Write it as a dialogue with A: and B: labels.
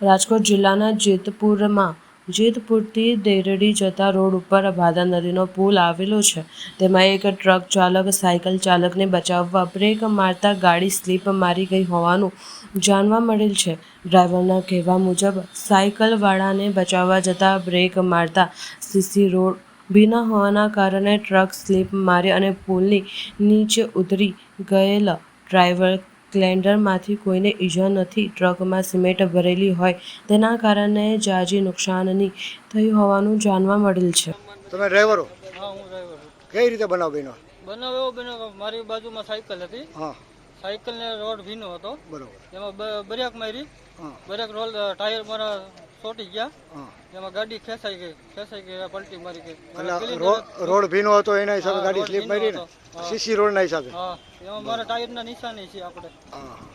A: રાજકોટ જિલ્લાના જેતપુરથી દેરડી જતા રોડ ઉપર ભાદર નદીનો પુલ આવેલો છે. તેમાં એક ટ્રક ચાલક સાયકલ ચાલકને બચાવવા બ્રેક મારતા ગાડી સ્લીપ મારી ગઈ હોવાનું જાણવા મળેલ છે. ડ્રાઈવરના કહેવા મુજબ સાયકલવાળાને બચાવવા જતાં બ્રેક મારતા સીસી રોડ ભીના હોવાના કારણે ટ્રક સ્લીપ મારી અને પુલની નીચે ઉતરી ગયેલ. ડ્રાઈવર ક્લેન્ડરમાંથી કોઈને ઈજા નથી. ટ્રકમાં સિમેન્ટ ભરેલી હોય તેના કારણે જાજી નુકસાની થઈ હોવાનું જાણવા મળેલ છે.
B: તમે ડ્રાઈવર હો?
C: હા, હું ડ્રાઈવર છું.
B: કઈ રીતે બનાવ બન્યો?
C: બનાવ એવો બન્યો કે મારી બાજુમાં સાયકલ હતી.
B: હા,
C: સાયકલને રોડ ભીનો હતો.
B: બરોબર.
C: એમાં બ્રેક મારી.
B: હા,
C: બ્રેક રોલ ટાયર મારા ચોંટી ગયા.
B: હા.
C: એમાં ગાડી ખેંચાઈ ગઈ પલટી મારી ગઈ.
B: એટલે રોડ ભીનો હતો એના હિસાબે ગાડી સ્લીપ મારી ને? સીસી રોડ ના હિસાબે?
C: હા, એમાં મારા ટાયરના નિશાની છે આપણે.
B: હા.